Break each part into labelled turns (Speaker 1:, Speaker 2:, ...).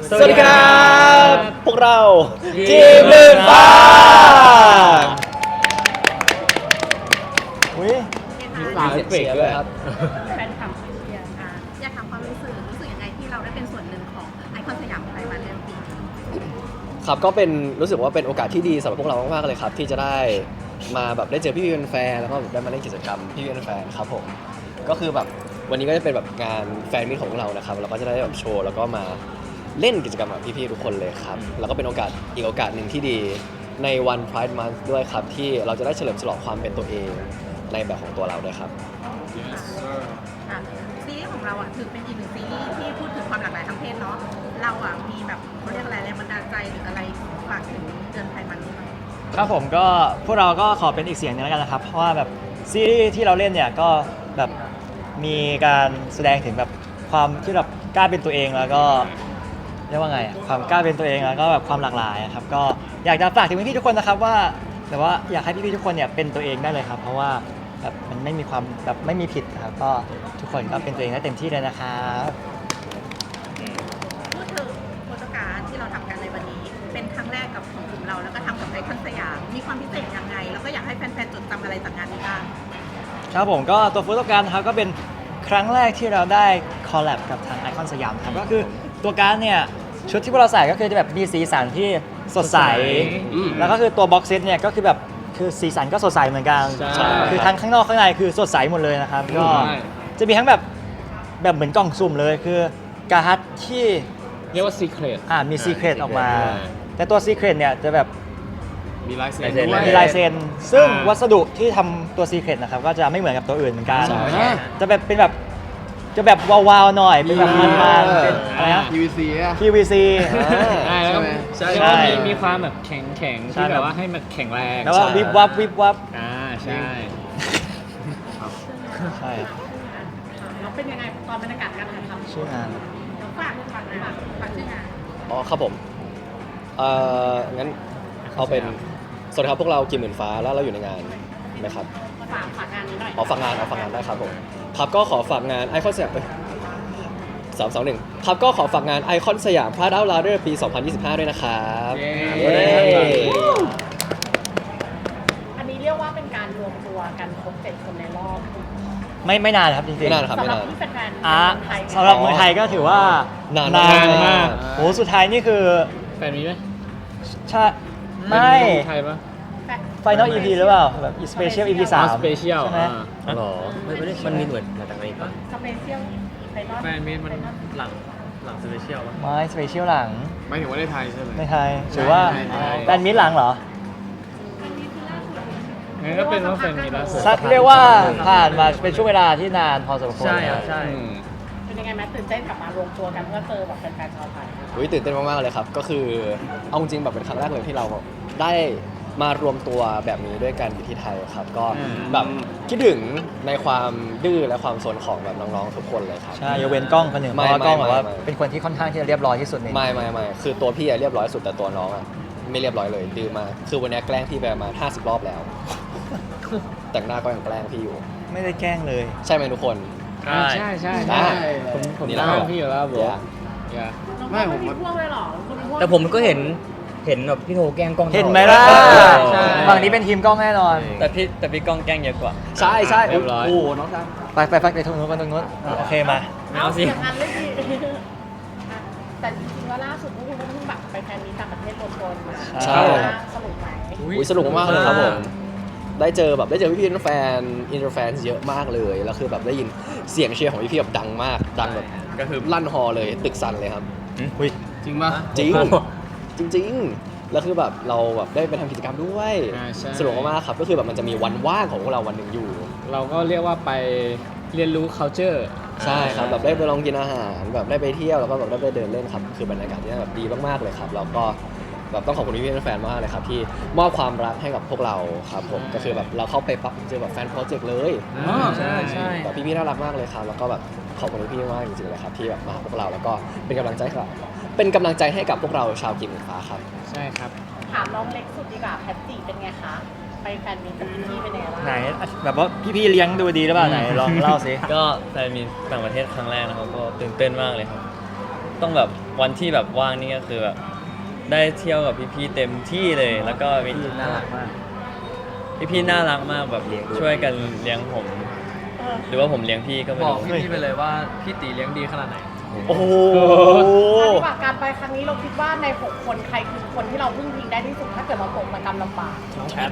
Speaker 1: สวัสดีครับพวกเราทีมหมื่นฟ้า
Speaker 2: อุ้ย
Speaker 1: มีเสียงเชียร์ด้วยครับ
Speaker 3: แฟนคลับเชียร์อยากถามความรู้สึกยังไงที่เราได้เป็นส่วนหนึ่งของไอคอนสยามไทยมาเรื่อยปี
Speaker 1: ครับก็เป็นรู้สึกว่าเป็นโอกาสที่ดีสำหรับพวกเรามากๆเลยครับที่จะได้มาแบบได้เจอพี่ๆแฟนแล้วก็ได้มาเล่นกิจกรรมพี่ๆแฟนครับผมก็คือแบบวันนี้ก็จะเป็นแบบงานแฟนมิตของพวกเรานะครับเราก็จะได้แบบโชว์แล้วก็มาเล่นกิจกรรมกับพี่ๆทุกคนเลยครับแล้วก็เป็นโอกาสอีกโอกาสหนึ่งที่ดีในวัน Pride Month ด้วยครับที่เราจะได้เฉลิมฉลองความเป็นตัวเองในแบบของตัวเราด้วยครับ
Speaker 3: ซีรีส์ของเราถือเป็นอีกหนึ่งซีรีส์ที่พูดถึงความหลากหลายทางเพศเนาะเรามีแบบเขาเรียกอะไรแรงบันดาลใจหรืออะไรฝากถึงเดือนไทยมันนี้ไหม
Speaker 2: ครับผมก็พวกเราก็ขอเป็นอีกเสียงหนึงแล้วกันนะครับเพราะว่าแบบซีรีส์ที่เราเล่นเนี่ยก็แบบมีการแสดงถึงแบบความที่แบบกล้าเป็นตัวเองแล้วก็เรียกว่าไงความกล้าเป็นตัวเองแล้วก็แบบความหลากหลายครับก็อยากจะฝากถึงพี่ๆทุกคนนะครับว่าแต่ว่าอยากให้พี่ๆทุกคนเนี่ยเป็นตัวเองได้เลยครับเพราะว่าแบบมันไม่มีความแบบไม่มีผิดครับก็ทุกคนก็เป็นตัวเองได้เต็มที่เลยนะครับ
Speaker 3: พูดถึงโฟโตการ์ดที่เราทำกันในวันนี้เป็นครั้งแรกกับของกลุ่มเราแล้วก็ทำกับไอคอนสยามมีความพิเศษยังไงแล้วก็อยากให้แฟนๆจดจำอะไรจากงานนี้บ้าง
Speaker 2: ครับผมก็ตัวฟูโตการ์ดนะครับก็เป็นครั้งแรกที่เราได้คอลแลบกับทางไอคอนสยามครับก็คือตัวการ์ดเนี่ยชุดที่พวกเราใส่ก็คือจะแบบมีสีสันที่สดใสแล้วก็คือตัวบ็อกเซตเนี่ยก็คือแบบคือสีสันก็สดใสเหมือนกัน
Speaker 1: ใช่
Speaker 2: คือทั้งข้างนอกข้างในคือสดใสหมดเลยนะครับก็จะมีทั้งแบบเหมือนกล่องสุ่มเลยคือการ์ดที่
Speaker 4: เรียกว่าซีเครต
Speaker 2: มีซีเครตออกมา แต่ตัวซีเครตเนี่ยจะแบบ
Speaker 4: มีลายเซ็น
Speaker 1: ลายเซ็น
Speaker 4: ด้วย
Speaker 2: มีลายเซ็นซึ่งวัสดุที่ทำตัวซีเครตนะครับก็จะไม่เหมือนกับตัวอื่นเหมือนกัน
Speaker 1: ใช่
Speaker 2: จะแบบเป็นแบบจะแบบวาวๆหน่อยเป็นแบบมันๆเป็นอะไรนะ
Speaker 4: PVC อ่ะ
Speaker 2: PVC
Speaker 4: ใช่แล้วก็
Speaker 1: ใช่
Speaker 4: แล้ว
Speaker 2: ใช่
Speaker 4: ก็มีความแบบแข็งๆ
Speaker 2: ใช่
Speaker 4: ที่แบบว่าให้มันแข็งแรง
Speaker 2: แล้วก็วิบวับวิบวับ
Speaker 4: ใช่
Speaker 2: ใช่
Speaker 3: เราเป็นยังไงตอนบรรยากาศการถ่ายทำ
Speaker 2: ชื่องาน
Speaker 3: เราฝากชื่องาน
Speaker 1: อ๋อครับผมงั้นเอาเป็นสวัสดีครับพวกเรากิมหมื่นฟ้าแล้วเราอยู่ในงานไหมครับ
Speaker 3: ฝากงานนี้หน่อย
Speaker 1: ฝากงานได้ครับผมครับก็ขอฝากงานไอคอนสยาม321ครับก็ขอฝากงานไอคอนสยาม Pride Out Louder ปี 2025 ด้วยนะครับ
Speaker 4: เย้
Speaker 1: เย้
Speaker 3: อันนี้เรียกว่าเป็นการรวมตัวกันครบ7คนในรอบ
Speaker 2: ไม่นานครับจริงๆ
Speaker 1: ไม่นานครับ
Speaker 3: สำ
Speaker 1: ไม่
Speaker 3: หรับ
Speaker 1: นาน
Speaker 3: ที่แฟนๆ
Speaker 2: อ่ะ
Speaker 3: ไทย
Speaker 2: สำหรับเมืองไทยก็ถือว่าน
Speaker 1: าน
Speaker 2: นาน
Speaker 1: มาก
Speaker 2: โหสุดท้ายนี่คือ
Speaker 4: แฟนมีไหม
Speaker 2: ใช่ไม่
Speaker 4: เป็นไทยปะ
Speaker 2: Final EP หรือเปล่าแบบสเปเชียล EP 3
Speaker 4: สเปเชียล
Speaker 2: ใช่ไหม
Speaker 1: หรอมันมีหน่วยมาจากไหนปะ
Speaker 3: สเปเชียลไฟนอล
Speaker 4: แฟนมีมันหลังสเปเชียลปะ
Speaker 2: ไม่สเปเชียลหลัง
Speaker 4: ไม่ถึงว่าในไทยใช่ไหม
Speaker 2: ในไทยหรือว่า
Speaker 4: ใช่
Speaker 2: แฟนมิตรหลังเหรอ
Speaker 4: งั้นก็เป็นว่าแฟนมีล่าสุด
Speaker 2: สักเรียกว่าผ่านมาเป็นช่วงเวลาที่นานพอสมควร
Speaker 4: อืม
Speaker 3: เป็นยังไงแมตื่นเต้นกลับมารวมตัวกันเพื่อเจอแบบแฟนๆชาวไทย
Speaker 1: อุ๊ยตื่นเต้นมากๆเลยครับก็คือเอาจริงๆแบบเป็นครั้งแรกเลยที่เราได้มารวมตัวแบบนี้ด้วยกันอยู่ที่ไทยครับก็แบบคิดถึงในความดื้อและความสนของแบบน้องๆทุกคนเลยครับ
Speaker 2: ใช่ยกเว้นกล้องคนหนึ่งเพ
Speaker 1: ไม่
Speaker 2: ราะว่ากล้องแบบว่า
Speaker 1: ไม่
Speaker 2: เป็นคนที่ค่อนข้างที่จะเรียบร้อยที่สุดใน
Speaker 1: ไม่คือตัวพี่อะเรียบร้อยสุดแต่ตัวน้องอะไม่เรียบร้อยเลยดื้อมากคือวันนี้แกล้งพี่ไปประมาณ50 รอบแล้ว แต่งหน้าก็ยังแกล้งพี่อยู่
Speaker 2: ไม่ได้แกล้งเลย
Speaker 1: ใช่ไหมทุกคน
Speaker 4: ใช่ใช่
Speaker 1: อ่า
Speaker 4: ผม
Speaker 1: นี่
Speaker 4: ตา
Speaker 1: แหละ
Speaker 4: มพี่อยู่แล้วบอ
Speaker 1: อย่า
Speaker 4: อย่า
Speaker 3: ไม่ผมมีพ่วงเลยหรอคุณพ่วง
Speaker 5: แต่ผมก็เห็นแบบพี่โทแกล้งกล้องตลอด
Speaker 2: เห็นไหมล่ะ
Speaker 5: ใช่
Speaker 2: ฝั่งนี้เป็นทีมกล้องแน่นอน
Speaker 5: แต่พี่กล้องแกล้งเยอะกว่า
Speaker 1: ใช่ใช่
Speaker 4: เรียบร้อย
Speaker 1: โอ้โหน้องชาย
Speaker 2: ไปตรงนู้นโอเคมา
Speaker 5: เอาสิ
Speaker 3: อย่างนั้นเลยดีแต่จริงๆว่าล่าสุดพวกคุณก็เพิ่งแบบไปแฟนมีต่างประเทศรวมตัวมา
Speaker 1: ใช่
Speaker 3: สนุกไหม
Speaker 1: อุ๊ยสนุกมากเลยครับผมได้เจอพี่ๆแฟนอินเตอร์แฟนเยอะมากเลยแล้วคือแบบได้ยินเสียงเชียร์ของพี่ๆแบบดังมากดังแบบ
Speaker 5: ก็คือ
Speaker 1: ลั่นฮอเลยตึกสั่นเลยครับ
Speaker 4: จริงปะ
Speaker 1: จริงจริงๆแล้วคือแบบเราแบบได้ไปทำกิจกรรมด้วย
Speaker 4: ใช่
Speaker 1: สนุกมากๆครับก็คือแบบมันจะมีวันว่างของพวกเราวันหนึ่งอยู่
Speaker 4: เราก็เรียกว่าไปเรียนรู้ culture
Speaker 1: ใช่ครับแบบได้ไปลองกินอาหารแบบได้ไปเที่ยวแล้วก็แบบได้ไปเดินเล่นครับคือบรรยากาศที่แบบดีมากๆเลยครับแล้วก็แบบต้องขอบคุณพี่ๆแฟนๆมากเลยครับที่มอบความรักให้กับพวกเราครับผมก็คือแบบเราเข้าไปปั๊บเจอแบบแฟนโปรเจกต์เลย
Speaker 5: ใช่ใช่
Speaker 1: แบบพี่ๆน่ารักมากเลยครับแล้วก็แบบขอบคุณพี่ๆมากจริงๆเลยครับที่แบบมาหาพวกเราแล้วก็เป็นกำลังใจให้กับพวกเราชาวกิมหมื่นฟ้าครับ
Speaker 4: ใช่ครับ
Speaker 3: ถามน้องเล็กสุดดีกว่าแพตตี้เป็นไงคะ ไปแฟนมีกับพี่เป็นยังไงบ้าง
Speaker 2: ไหนแบบว่าพี่ๆเลี้ยงดูดีหรือเปล่าไหนลองเล่าสิ
Speaker 5: ก็ไปมีต่างประเทศครั้งแรกนะครับก็ตื่นเต้นมากเลยครับต้องแบบวันที่แบบว่างนี่ก็คือแบบได้เที่ยวกับพี่ๆเต็มที่เลย แล้วก็มี
Speaker 2: น่ารักมาก
Speaker 5: พี่ๆน่ารักมากแบบช่วยกันเลี้ยงผม หรือว่าผมเลี้ยงพี่ก็ไม่
Speaker 4: บอก
Speaker 5: รู้
Speaker 4: พี่ๆไปเลยว่าพี่ตีเลี้ยงดีขนาดไหน
Speaker 1: โอ้โห
Speaker 6: ปฏิบัติการไปครั้งนี้เราคิดว่าใน 6 คนใครคือคนที่เราพึ่งพิงได้ที่สุดถ้าเกิดเราตกระกำลำบาก
Speaker 5: ใคร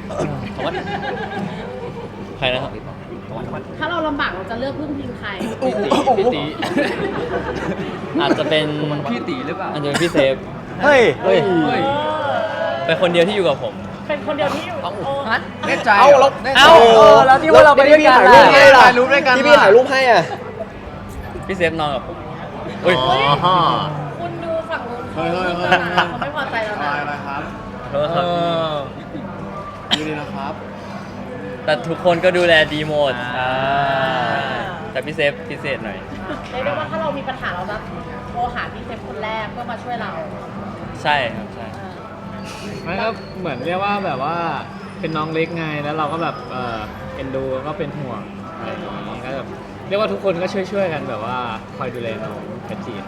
Speaker 5: นะครับ
Speaker 6: ถ้าเราลำบากเราจะเลือกพึ่งพิงใคร
Speaker 4: พี่ตี
Speaker 5: อาจจะเป็น
Speaker 4: พี่ตีหรือเปล่า
Speaker 5: อาจจะเป็นพี่เซฟ
Speaker 2: เฮ้ย
Speaker 4: เฮ้ย
Speaker 5: เป็นคนเดียวที่อยู่กับผม
Speaker 6: เป็นคนเดียวที่อยู่โอ้
Speaker 4: แน่ใจ
Speaker 1: เอ้าแล้ว
Speaker 2: เอ้าแล้วที่ว่าเราไปด้วยกัน
Speaker 1: ถ่ายรูปให้ล่ะ
Speaker 4: ถ่ายรูปด้วยกัน
Speaker 1: ที่พี่ถ่ายรูปให้อ่ะ
Speaker 5: พี่เซฟนอนกับผมเฮ้ย
Speaker 6: คุณดูฝั่งนู้น
Speaker 4: เฮ้ย
Speaker 6: เขาไม่พอใจแล้วนะ
Speaker 4: อะไรครับ
Speaker 5: โทษครับ
Speaker 4: ดูดีนะครับ
Speaker 5: แต่ทุกคนก็ดูแลดีหมด
Speaker 2: อ่า
Speaker 5: แต่พี่เซฟพิเศษหน่อย
Speaker 6: เรียกได้ว่าถ้าเรามีปัญหาเราจะโทรหาพี่เซฟคนแรกเพื่อมาช่วยเรา
Speaker 5: ใช่ครับใช่
Speaker 4: ไม่ก็เหมือนเรียกว่าแบบว่าเป็นน้องเล็กไงแล้วเราก็แบบเอ็นดูก็เป็นห่วงอะไรอย่างนี้ก็แบบเรียกว่าทุกคนก็ช่วยๆกันแบบว่าคอยดูแลน้องแคทจีน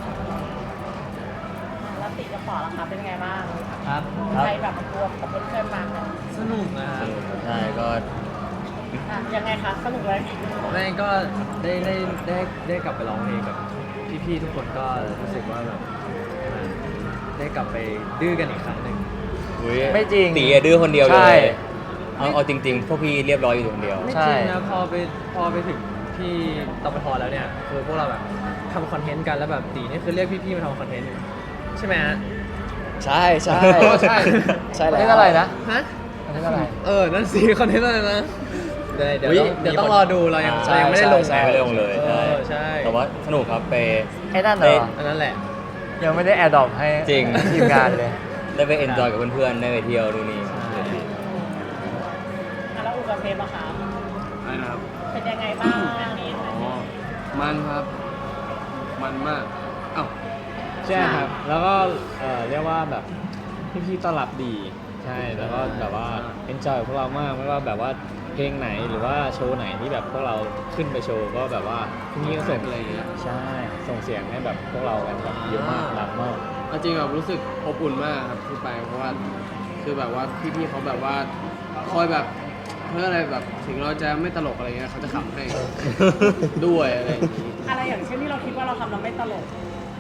Speaker 6: แล้วติกับปอล่ะคะเป็นไงบ้าง
Speaker 4: ครับ
Speaker 6: ใครแบบรวมกับเพื่อนๆมากัน
Speaker 4: สนุกนะ
Speaker 5: ใช่ก็
Speaker 6: อ่ะยังไงคะสนุกเลย
Speaker 4: แม่ก็ได้กลับไปร้องเพลงกับพี่ๆทุกคนก็รู้สึกว่าแบบได้กลับไปดื้อกันอีกครั้งหนึ่ง
Speaker 2: ไม่จริง
Speaker 5: ตีอะดื้อคนเดียวเล
Speaker 2: ใช่
Speaker 5: ยเอาจริงๆ พวกพี่เรียบร้อยอยู่คนเดียว
Speaker 4: ไม่
Speaker 2: ใช่
Speaker 4: จริงนะพอไปถึงที่ตปทแล้วเนี่ยคือพวกเราแบบทำคอนเทนต์กันแล้วแบบตีนี่คือเรียกพี่ๆมาทำคอนเทนต์อยู่ใช่ไหมฮะ
Speaker 1: ใช่ใช่
Speaker 4: ใช่
Speaker 1: ใช่แล้ว
Speaker 2: เรียกอะไรนะ
Speaker 4: ฮะ
Speaker 2: เรียกอะไร
Speaker 4: นั่นสิคอนเทนต์อะไรนะเดี๋ยว
Speaker 1: อุ๊ย
Speaker 4: เดี๋ยวต้องรอดูเรายัง
Speaker 1: ใช่
Speaker 4: ไม่ได้ลง
Speaker 1: ใช่
Speaker 5: ไม่ได้ลงเลย
Speaker 4: ใช่
Speaker 5: แต่ว่าสนุกครับไป
Speaker 2: ไอ้นั่นเหรอ
Speaker 4: อันนั้นแหละ
Speaker 2: ยังไม่ได้แอร์ดรอปให้
Speaker 5: จริง
Speaker 2: ทีมงานเลย
Speaker 5: ได้ไปเอนจอยกับเพื่อนๆ ได้ไปเที่ยวดูนี่
Speaker 6: อ่ะแล้วอุกับเพมอะคะ
Speaker 7: อะไรนะครับ
Speaker 6: เป็นยังไงบ้าง
Speaker 7: อ๋อ มันครับ มันมาก เอ้า
Speaker 4: ใช่ครับ แล้วก็เรียกว่าแบบพี่ๆต้อนรับดี ใช่ แล้วก็แบบว่าเอนจอยกับพวกเรามากไม่ว่าแบบว่าเพลงไหนหรือว่าโชว์ไหนที่แบบพวกเราขึ้นไปโชว์ก็แบบว่าพี่ๆก็ส่ง
Speaker 7: อะไรอย่างเงี้ย
Speaker 4: ใช่ ส่งเสียงให้แบบพวกเรากันแบบเยอะมากดังมาก
Speaker 7: เอาจริงแบบรู้สึกอบอุ่นมากครับที่ไปเพราะว่าคือแบบว่าพี่ๆเขาแบบว่าคอยแบบเพื่ออะไรแบบถึงเราจะไม่ตลกอะไรเงี้ยเขาจะขำให้ ด้วยอะไรอย่างงี้
Speaker 6: อะไรอย่างเช่นที่เราคิดว่าเราทำเราไม่ตลก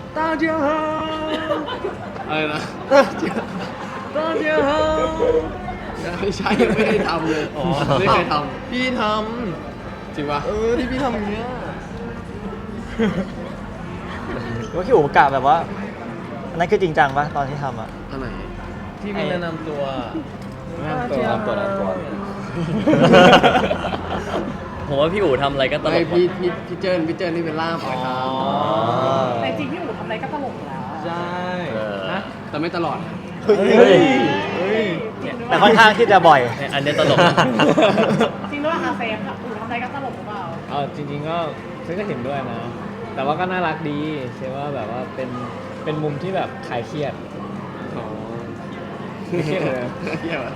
Speaker 7: อะไรนะ
Speaker 4: ตอนเดียว
Speaker 7: ไม่ใช่ไม่ได้ทำเลย
Speaker 4: อ๋อ
Speaker 7: ไม่เคยท
Speaker 4: พี่ท
Speaker 7: ำจริงปะ
Speaker 4: ที่พี่ทำอย่างเงี้ย
Speaker 2: ว่าพี่อู๋กะแบบว่าอันนั้นคือจริงจังปะตอนที่ทำอ่ะ
Speaker 7: อันไหน
Speaker 4: ที่พี่แนะนำตัว
Speaker 1: แนะนำตัว
Speaker 5: ผมว่าพี่อู๋ทำอะไรก็ตล
Speaker 7: ไม่
Speaker 5: กหมด
Speaker 7: พี่เจิ้นนี่เป็นล่ามนะครับ
Speaker 6: แต่จริงพี่อู๋ทำอะไรก็ตลกอยู่แล้ว
Speaker 4: ใช่
Speaker 7: นะแต่ไม่ตลอด
Speaker 2: เฮ้ย
Speaker 6: จริงหรือเป
Speaker 2: แต่
Speaker 6: ล่า
Speaker 2: ค่อนข้างที่จะบ่อย
Speaker 5: อันนี้ตลก
Speaker 6: จริงหรือเปล่าคะเซฟค่ะอู๋ทำอะไรก็ตลกหรือเปล่า
Speaker 4: เอาจริงๆก็ฉันก็เห็นด้วยนะ แต่ว่าก็น่ารักดีใช่ว่าแบบว่าเป็นมุมที่แบบคลายเครียด
Speaker 7: อ๋อ
Speaker 4: ไม่เครียดเลย
Speaker 7: เยี่ยมอะ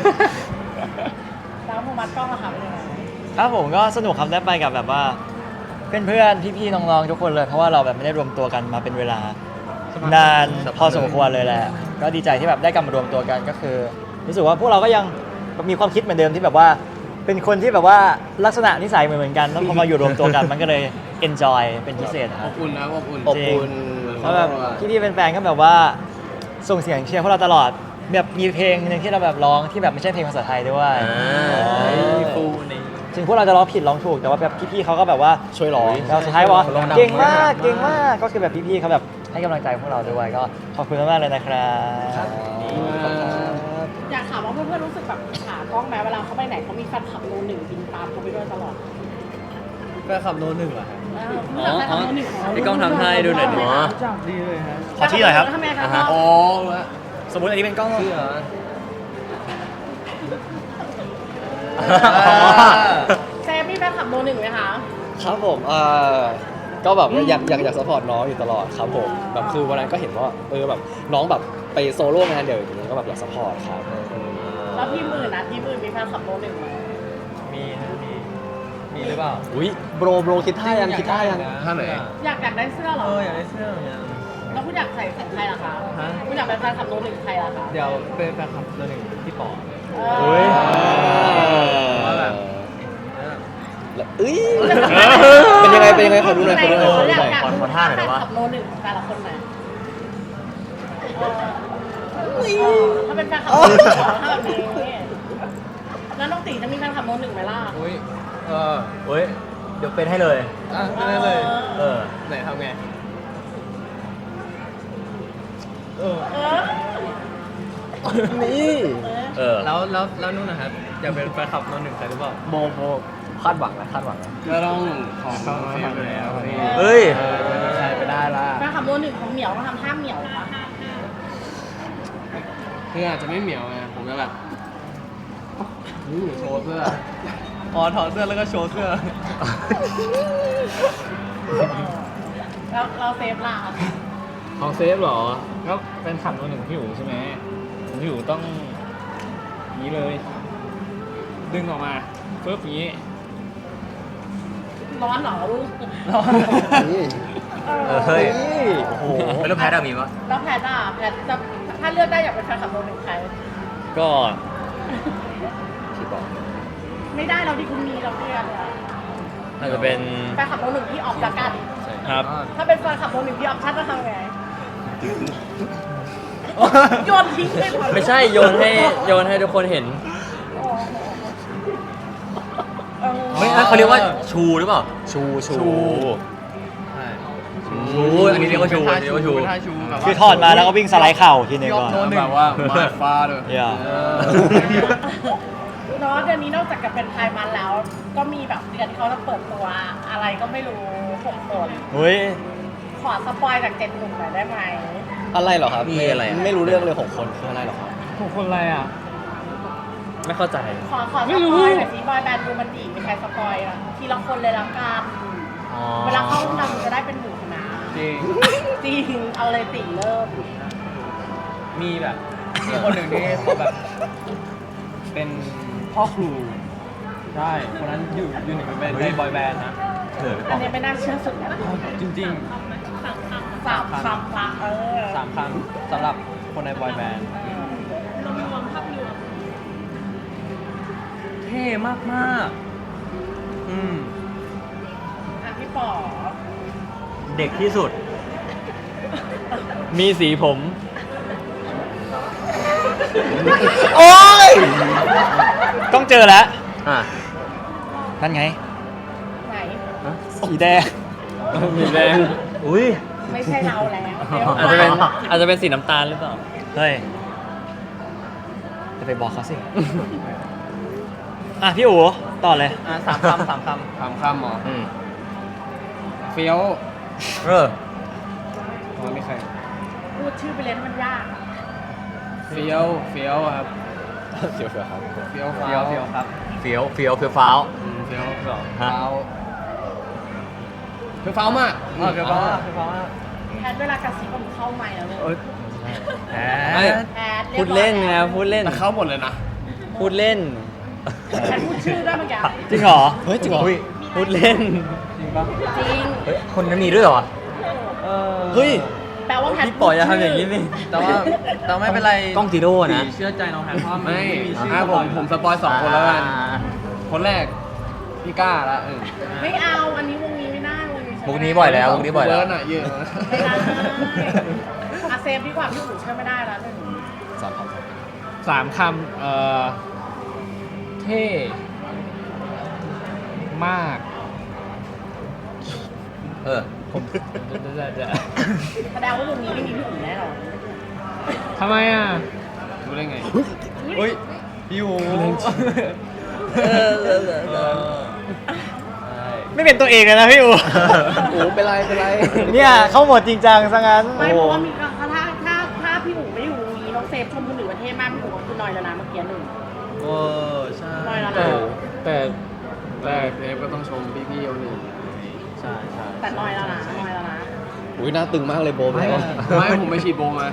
Speaker 6: แล้วโมมัดกล้องอะค่ะเป็นยังไง
Speaker 2: ครับผมก็สนุกครับได้ไปกับแบบว่าเพื่อนๆพี่ๆน้องๆทุกคนเลยเพราะว่าเราแบบไม่ได้รวมตัวกันมาเป็นเวลานานพอสมควรเลยแหละ ก็ดีใจที่แบบได้กลับมารวมตัวกันก็คือ รู้สึกว่าพวกเราก็ยังมีความคิดเหมือนเดิมที่แบบว่า เป็นคนที่แบบว่าลักษณะนิสัยเหมือนกันแล้วพอมาอยู่รวมตัวกันมันก็เลย enjoy เป็นพิเศษค
Speaker 7: อ
Speaker 2: รับบ
Speaker 7: อุ่นนะอบอุ่น
Speaker 1: อบอุ่น
Speaker 2: เพราะแบบพี่ๆเป็นแฟนก็แบบว่าส่งเสียงเชียร์พวกเราตลอดแบบมีเพลงหนึงที่เราแบบร้องที่แบบไม่ใช่เพลงภาษาไทยด้วย
Speaker 4: ฟูนี่
Speaker 2: ถึงพวกเราจะร้องผิดร้องถูกแต่ว่าแบบพี่ๆเขาก็แบบว่า
Speaker 1: ช่วยร้อง
Speaker 2: เราสุดท้ายบอกว่า
Speaker 4: ร้องดัง
Speaker 2: เก่งมาก
Speaker 4: มาก
Speaker 2: เก่งมากก็คือแบบพี่ๆเขาแบบให้กำลังใจพวกเราด้วยก็ขอบคุณมากๆเลยนะครับ
Speaker 6: อยากถามว่าเพื่อนๆรู้สึกแบบอิจฉากล้องไหมเวลาเขาไปไหนเขามีแฟนคลับโนหนึ่งบินตามเขาไปด้วยตลอด
Speaker 4: แฟนคลับโนหนึ่งเหรอฮะ
Speaker 6: รู้จักแฟนคลับโนหนึ่งของเรา
Speaker 5: พี่ก้องทำให้ดูหน่อยดิ
Speaker 4: จับดีเลยฮะ
Speaker 2: ขอที่หน่อยครับ
Speaker 6: ทำไมคะ
Speaker 7: อ๋อแล้ว
Speaker 2: สมมติอันนี้เป็นกล้อง
Speaker 4: ชื่อเหรอ
Speaker 6: เซฟมีแฟนคลับโนหนึ่งไหมคะ
Speaker 1: ครับผมก็แบบว่าอยากซัพพอร์ตน้องอยู่ตลอดครับผมแบบคือวันนั้นก็เห็นว่าแบบน้องแบบไปโซโล่งานเดี่ยวอย่างนี้ก็แบบอยากซัพพอร์ตครับ
Speaker 6: แล้วพี่หมื่นนะพี่หมื่นมีแฟนคลับโนหนึ่งไหม
Speaker 4: มีหรือเปล่า
Speaker 1: อุ้ยโบรคิดท่ายัง
Speaker 7: ท่าไหน
Speaker 6: อยากได้เสื้อเหรอ
Speaker 4: อยากได้เสื้อเหมือนกัน
Speaker 6: แล้วคุณอยากใส่ใครล่ะคะ
Speaker 5: ฮะ
Speaker 6: คุณอยากเป็นแฟนคลับโนหนึ่งใครล่ะคะ
Speaker 5: เดี๋ยวเป็นแฟนคลับตัวหนึ่งพี่ป๋อ
Speaker 6: เอ
Speaker 2: อุ๊ย
Speaker 5: ว่าแบบ
Speaker 1: แล้วเอ้ยเป็นยังไงเป็นยังไงขอดูหน่อยขอดูหน่อยขอดูหน่อย
Speaker 2: ขอท่าหน่อยได้ปะ
Speaker 6: แฟคลับโนหนึ่งแต่ละคนไหนถ้าเป็นแฟนคลับโนหนึ่งถ้าแบบนี้แล้วน้องตีจะมีแฟนคลับโนหนึ่งไหมล่ะ
Speaker 7: อุ้ย
Speaker 2: เฮ้ย เดี๋ยวเป็นให้เลย
Speaker 7: ไม่ได้เลย
Speaker 2: เออ
Speaker 7: ไหนทำไง
Speaker 6: เออ
Speaker 1: นี่
Speaker 2: เออ
Speaker 5: แล้วนู่นนะครับอยากเป็นแฟนคลับตัวหนึ่งใครหรือเปล่า
Speaker 1: โบคาดหวังนะคาดหวังนะ
Speaker 7: ก็ต้องขอเข้ามาทำแล้ว
Speaker 2: เฮ้ย
Speaker 7: ใช่ไปได้ละ
Speaker 6: แฟนคลับโนหนึ่งของเหมียวมาทำท่าเหมียวปะ
Speaker 7: คืออาจจะไม่เหมียวไงผมจะแบบโชว์เสื้อ
Speaker 5: อ๋อถอดเสื้อแล้วก็โชว์เสื้อ
Speaker 6: แล้วเราเซฟล่ะ
Speaker 4: ของเซฟเหรอ ก็เป็นขับตัวหนึ่งพี่อู๋ใช่ไหมพี่อู๋ต้องนี้เลย ดึงออกมาปึ๊บอย่างนี้
Speaker 6: ร้อนเหรอลูก
Speaker 1: นี่
Speaker 2: เฮ้ย
Speaker 1: นี่โอ้โห
Speaker 2: แล้วแพทย์มีปะ
Speaker 6: แล้วแพทย์อ่ะแพทย์จะถ้าเลือกได้อยากเป็นแฟนคลับโนหนึ่งใคร
Speaker 5: ก็
Speaker 1: พี่บอก
Speaker 6: ไม่ได้เราที่คุณมีเราเลือกอะ
Speaker 5: อาจจะเป็น
Speaker 6: แฟนคลับโนหนึ่งที่ออฟละกัน
Speaker 5: ครับ
Speaker 6: ถ้าเป็นแฟนคลับโนหนึ่งที่ออฟชั่นจะทำไงโยนทิ้งเลยเหรอ
Speaker 5: ไม่ใช่โยนให้ทุกคนเห็น
Speaker 6: เออ
Speaker 2: เฮ้ยเขาเรียกว่าชูหรือเปล่า
Speaker 1: ชู
Speaker 5: ใช่
Speaker 2: ชูอันนี้เรียกว่าชูอันนี้เรียกว่าชู
Speaker 7: ท่าชูแบบ
Speaker 2: คือถอดมาแล้วก็วิ่งสไลด์เข่าทีนึงก่อน
Speaker 7: แบบว่ามาฟ้าด้วย
Speaker 2: อย่า
Speaker 6: เนาะเดือนนี้นอกจากจะเป็นไทยมันแล้ว ก็มีแบบเดือนที่เขาจะเปิดตัวอะไรก็ไม่รู้6 คน
Speaker 2: เฮ้ย
Speaker 6: ขอสปอยจาก7 หนุ่มหน่อยได้ไหม
Speaker 1: อะไรเหรอครับ
Speaker 2: มีอะไรอ่ะ
Speaker 1: ไม่รู้เรื่องเลย6 คนคืออะไรเหรอครับ
Speaker 4: ของคนอะไรอ่ะ
Speaker 5: ไม่เข้าใจ
Speaker 6: ขอสปอยหน่อยสิบอยแบนด์ดูมันดีมีใครสปอยอ่ะทีละคนเลยละกันเวลาเข้าห้องดำจะได้เป็นหมู่คณะ
Speaker 7: จริง
Speaker 6: จริงเอาเลยติเริ่ม
Speaker 5: มีแบบมีคนหนึ่งที่เขาแบบ เป็นพ่อครูใช่คนนั้นอยู่หนึ่งในบอยแบนด์นะ
Speaker 6: อันนี้ไม่น่าเชื่อสุดนะ
Speaker 5: จริง
Speaker 6: สามคำละ
Speaker 5: ๆ3 ครั้งสำหรับคนในบอยแบนด์เท่มากๆ
Speaker 6: อ่ะพี่ป๋อ
Speaker 2: เด็กที่สุด
Speaker 5: มีสีผม
Speaker 1: โอ้ย
Speaker 2: ต้องเจอแล้ว
Speaker 5: อ่ะ
Speaker 2: นั่นไง
Speaker 6: ไหน
Speaker 2: สีแดง
Speaker 5: มีแดง
Speaker 2: อุ้ย
Speaker 6: ไม่ใช่เราแล้ว
Speaker 5: อาจจะเป็นสีน้ำตาลหรือเปล่า
Speaker 2: เฮ้ย จะไปบอกเขาสิ อ่ะพี่อู๋ต่อเลย
Speaker 5: 3 คำ 3 คำ
Speaker 7: ทำคำหมอ
Speaker 2: อืม
Speaker 7: เฟี้ยว
Speaker 2: เออ
Speaker 7: มันมีใคร
Speaker 6: พูดชื่อไปเลยมันยาก
Speaker 7: เฟี้ยวครับ
Speaker 1: เสียวครับ
Speaker 7: เฟี้ยว
Speaker 5: เฟี้ยวครับ
Speaker 2: เฟี้ยวเฟี้ยวเฟี้ยวฟ้าว
Speaker 7: เฟี้ยว
Speaker 2: ฮะ
Speaker 7: ฟ้าวเฟี้ยวฟ้าวมาก
Speaker 5: เฟี้ยวฟ้ามาก
Speaker 6: แพทย์เวลากระซิบมันเข้าไมค์แล้วเลย
Speaker 5: แหม
Speaker 6: แพทย์
Speaker 5: พูดเล่นไงพูดเล่น
Speaker 7: แต่เข้าหมดเลยนะ
Speaker 5: พูดเล่น
Speaker 6: แพทย์พูดชื่อได้เมื่อกี้
Speaker 2: จริงเหรอ
Speaker 1: เฮ้ยจริงเหรอ
Speaker 2: อุ้ย
Speaker 5: พูดเล่น
Speaker 6: จริง
Speaker 2: เฮ้ย คนนั้นมีด้วยเหรอ
Speaker 1: เฮ้ย
Speaker 6: แปลว่าแพทย์
Speaker 5: พี่ปล่อยอย่าทำอย่างนี้สิแต่ว่าไม่เป็นไร
Speaker 2: กล้องจีโร่นะ
Speaker 5: เชื่อใจน้องแพทเพราะ
Speaker 7: ไม่
Speaker 5: มีชื่อ
Speaker 7: ผมสปอย2 คนแล้วกัน คนแรก พี่ก้าละ
Speaker 6: ไม่เอาอันนี้วงนี้ไม่ได้วงนี้ใช่ไหม
Speaker 2: มุกนี้บ่อยแล้วมุกนี้บ่อยแล้ว
Speaker 7: เวิร์ดอะเยอะ
Speaker 6: ไม่ได้อาเซฟดีกว่าพี่อู๋ช่วยไม่ได้แล้วหนึ่ง
Speaker 4: 3 คำเท่มาก
Speaker 2: เออ
Speaker 4: ผมจะ
Speaker 6: แสดงว่าวงนี้ไม่มีพี่อู๋แน่นอน
Speaker 4: ทำไมอ่ะ
Speaker 7: รู้ได้ไง
Speaker 5: เฮ้ยพี่หู
Speaker 2: ไม่เป็นตัวเองเลยนะพี่อู๋
Speaker 1: โอ้เป็นไรเป็นไร
Speaker 2: เนี่ยเข้าหมดจริงจังซะงั้น
Speaker 6: ไม่เพราะว่ามีถ้าพี่อู๋ไม่อยู่วงนี้น้องเซฟชมคนอื่นประเทศมากพี่อู๋ก็คือน้อยแล้วนะเมื่อกี้หนึ่ง
Speaker 5: โอ้ใช่
Speaker 6: น้อยแล้ว
Speaker 7: แต่
Speaker 6: นะ
Speaker 7: แต่เทปก็ต้องชมพี่ๆเอาหนึ่ง
Speaker 5: ใช่ใช่
Speaker 6: แต่น้อยแล้วนะน้อยแล้วนะ
Speaker 1: อุ้ยหน้าตึงมากเลยโบไปแล้ว
Speaker 7: ไม่ผมไปฉีดโบมา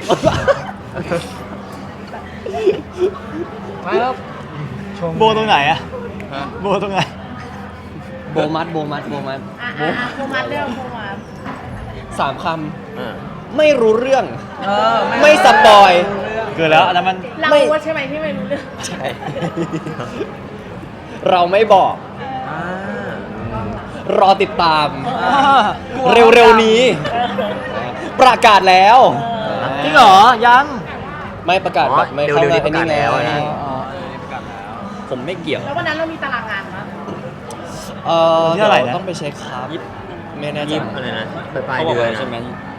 Speaker 4: มาแล้วชม
Speaker 2: โบตรงไหนอะ
Speaker 7: ฮะ
Speaker 2: โบตรงไหน
Speaker 1: โบมัด
Speaker 6: โฟมัสเรื่องโฟมัส
Speaker 1: 3 คไม่รู้เรื่อง
Speaker 5: เออ
Speaker 1: ไม่สปอย
Speaker 2: เกินแล้วอันนั้นมัน
Speaker 6: เรา
Speaker 1: ไม่
Speaker 6: ว่าใช่ไหมที่ไม่รู้เรื่อง
Speaker 1: ใช่ เราไม่บอก
Speaker 5: อ่าร
Speaker 1: อติดตาม เร็วๆนี้ ประกาศแล้ว
Speaker 2: จริงเหรอ ยัง
Speaker 1: ไม่ประกาศแบบไม่เข้า
Speaker 8: เร็วๆนี้
Speaker 1: ในนี่
Speaker 8: ประกาศแล้วนะ
Speaker 1: ผมไม่เกี่ยว
Speaker 6: แล้ววันนั้นเรามีตารางงานมั้ย
Speaker 2: ที่เท่าไหร่นะ
Speaker 1: ต้องไปเช็คครับไม่แน่ใจ
Speaker 8: ยิบอะไรนะปลายเดือนใช่ไหม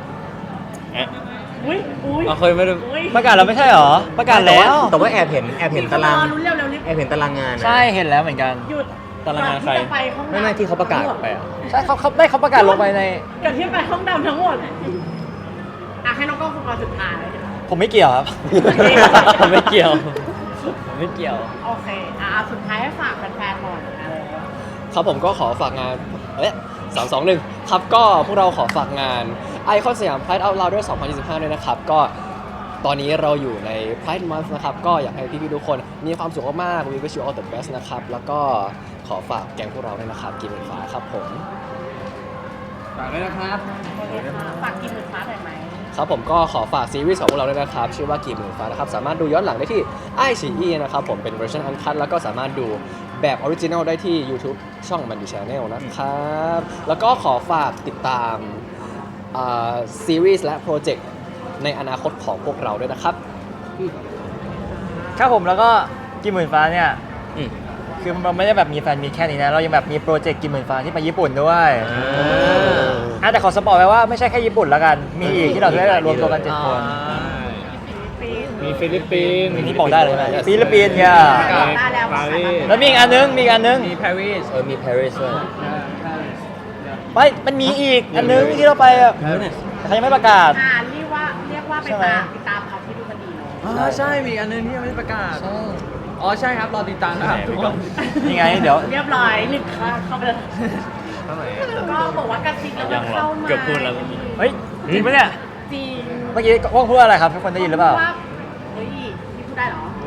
Speaker 6: อุ้ยอุ้ย
Speaker 4: เราเคยไม่ได้
Speaker 6: อุ้ย
Speaker 2: ประกาศเราไม่ใช่เหรอ ประกาศแล้ว
Speaker 8: แต่ว่าแอบเห็นตาราง
Speaker 6: ลุ้นเร็วๆรีบ
Speaker 8: แอบเห็นตารางงานนะ
Speaker 2: ใช่เห็นแล้วเหมือนกัน
Speaker 6: หยุด
Speaker 2: ตารางงานใคร
Speaker 6: ก่อที่จะไปห้องน้ำ
Speaker 8: ไม่ที่เขาประกาศไปอ่ะ
Speaker 2: ใช่เขาประกาศลงไปใน
Speaker 6: ก่อนที่จะไปห้องดำทั้งหมดให้น้องกล้องคุณมาสุดท้าย
Speaker 2: ผมไม่เกี่ยวครับ
Speaker 4: ผมไม่เกี่ยวผมไม่เกี่ยว
Speaker 6: โอเคสุดท้ายให้ฝากแฟนๆหน่อยนะ
Speaker 1: ครับผมก็ขอฝากงาน321ครับก็พวกเราขอฝากงานไอคอนสยาม Pride Out Louder 2025ด้วยนะครับก็ตอนนี้เราอยู่ใน Pride Month นะครับก็อยากให้พี่ๆทุกคนมีความสุขมากๆ We wish you all the best นะครับแล้วก็ขอฝากแก๊งพวกเราด้วยนะครับกินเหมือนฟ้าครับผม
Speaker 7: ฝากด้วยนะครับ
Speaker 6: ฝากกินหมื่นฟ้าหน่อยไหม
Speaker 1: ครับผมก็ขอฝากซีรีส์ของพวกเราด้วยนะครับชื่อว่ากี่หมื่นฟ้านะครับสามารถดูย้อนหลังได้ที่ iQIYI นะครับผมเป็นเวอร์ชันอันคัทแล้วก็สามารถดูแบบออริจินัลได้ที่ YouTube ช่องมันดีชาแนลนะครับแล้วก็ขอฝากติดตามซีรีส์และโปรเจกต์ในอนาคตของพวกเราด้วยนะครับ
Speaker 2: ครับผมแล้วก็กิมหมื่นฟ้าเนี่ย
Speaker 8: อืม
Speaker 2: คือเราไม่ได้แบบมีแฟนมีแค่นี้นะ เรายังแบบมีโปรเจกต์กิมหมื่นฟ้าที่ไปญี่ปุ่นด้วยแต่ขอสปอยไว้ว่าไม่ใช่แค่ญี่ปุ่นแล้วกัน มีอีกที่เราได้รวมตัวกัน7 คน
Speaker 4: มีฟิลิปปินส์
Speaker 2: นี่บอกได้เลยไหมฟิลิปปินส์เนี่ย
Speaker 4: ปารีส
Speaker 2: แล้วมีอีกอันนึงมีปารีส
Speaker 8: มีปารีสด้วย
Speaker 2: ไม่มันมีอีกอันนึงที่เราไปอะแต่เขายังไม่ประกาศ
Speaker 6: เรียกว่าไป
Speaker 2: ใช่ไหม
Speaker 6: ตามเขาที่ดูมันดีเนาะ
Speaker 5: ใช่ มีอันนึงที่ยังไม่ได้ประกาศ อ๋อ ใช่ครับ รอติดตามนะครับทุกคน
Speaker 2: นี่ไงเดี๋ยว
Speaker 6: เรียบร้อยหนึ่งค่าเข้าไปเลยก็บอกว่ากระซิบแล้วก็เข้ามา
Speaker 4: เกือบพูดแล้ว
Speaker 2: เฮ้ยจริงปะเนี่ย
Speaker 6: จริง
Speaker 2: เมื่อกี้ว่องพูดอะไรครับทุกคนได้ยินหรือเปล่า
Speaker 6: ว่าเฮ้ยนี่พูดได้เหรอ